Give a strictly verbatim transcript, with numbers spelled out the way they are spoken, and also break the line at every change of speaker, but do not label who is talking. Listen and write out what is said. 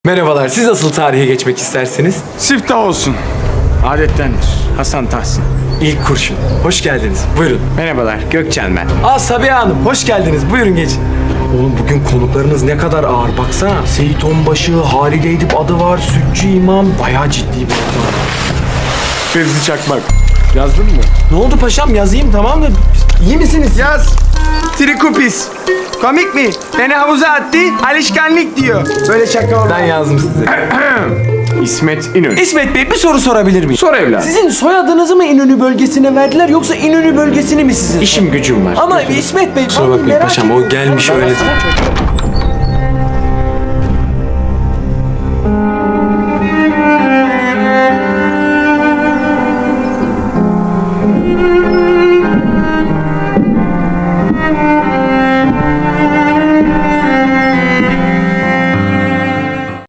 Merhabalar, siz nasıl tarihe geçmek istersiniz?
Siftah olsun. Adettendir. Hasan Tahsin.
İlk kurşun. Hoş geldiniz. Buyurun.
Merhabalar, Gökçen ben.
Aa Sabiha Hanım, hoş geldiniz. Buyurun geçin. Oğlum bugün konuklarınız ne kadar ağır baksana. Seyit Onbaşı, Halide Edip adı var, Sütçü İmam. Bayağı ciddi bir ortam.
Fevzi Çakmak. Yazdın mı?
Ne oldu paşam, yazayım tamam da iyi misiniz?
Yaz. Trikupis. Komik mi? Beni havuza attı, alışkanlık diyor. Böyle şaka olmaz.
Ben yazdım size.
İsmet İnönü.
İsmet Bey bir soru sorabilir miyim?
Sor evladım.
Sizin soyadınızı mı İnönü bölgesine verdiler yoksa İnönü bölgesini mi sizin?
İşim gücüm var.
Ama İsmet Bey...
Kusura
ben
bakmayın
merak
paşam, o
ediyorum.
gelmiş öyle.